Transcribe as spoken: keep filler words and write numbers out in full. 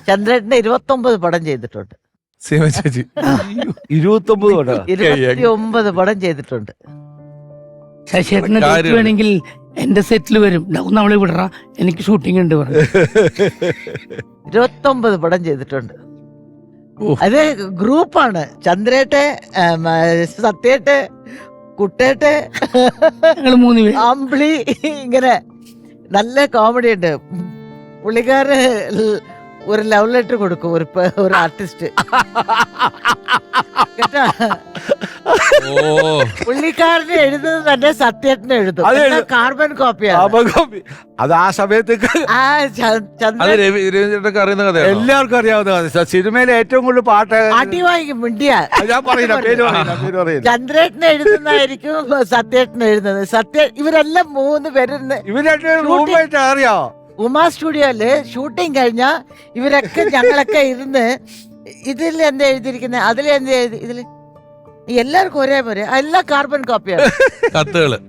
ചന്ദ്രേട്ടന്റെ ഇരുപത്തൊമ്പത് പടം ചെയ്തിട്ടുണ്ട്. സീമ ചേച്ചി ഇരുപത്തൊമ്പത് പടം ഇരുപത്തി ഒമ്പത് പടം ചെയ്തിട്ടുണ്ട്. ശശിയേട്ടന് ഡേറ്റ് വേണമെങ്കിൽ എന്റെ സെറ്റിൽ വരും. ഒന്ന് അവളെ വിടറ, എനിക്ക് ഷൂട്ടിംഗ് ഉണ്ട് പറഞ്ഞു. ഇരുപത്തൊമ്പത് പടം ചെയ്തിട്ടുണ്ട്. അത് ഗ്രൂപ്പാണ്. ചന്ദ്രേട്ടെ, സത്യേട്ടെ, കുട്ടേട്ടെ, ഞങ്ങൾ മൂന്ന് പേര്. അമ്പിളി, ഇങ്ങനെ നല്ല കോമഡി ഉണ്ട്. പുള്ളിക്കാരന് ഒരു ലവ് ലെറ്റർ കൊടുക്കും ഒരു ഒരു ആർട്ടിസ്റ്റ് കേട്ടാ. പുള്ളിക്കാരന് എഴുതുന്നത് തന്നെ സത്യേട്ടന് എഴുതും. കാർബൺ കോപ്പിയാണ് അത്. ആ സമയത്തേക്ക് അറിയുന്ന കഥ, എല്ലാവർക്കും അറിയാവുന്ന കഥ. സിനിമയിലെ ഏറ്റവും കൂടുതൽ പാട്ട് അടിവാങ്ങി മിണ്ടിയ ഞാൻ പറയില്ല, പേര് പറയില്ല, പേര് പറയില്ല. ചന്ദ്രേട്ടന് എഴുതുന്നതായിരിക്കും സത്യേട്ടന് എഴുതുന്നത്. സത്യ ഇവരെല്ലാം മൂന്ന് പേരുന്ന് ഇവർ രണ്ടുപേരും അറിയാവോ? ഉമാ സ്റ്റുഡിയോയില് ഷൂട്ടിങ് കഴിഞ്ഞാ ഇവരൊക്കെ ഞങ്ങളൊക്കെ ഇരുന്ന് ഇതിൽ എന്താ എഴുതിയിരിക്കുന്നത്, അതിൽ എന്താ എഴുതി, ഇതില് എല്ലാവർക്കും ഒരേപോലെ എല്ലാ കാർബൺ കോപ്പിയാണ് കത്തുകള്.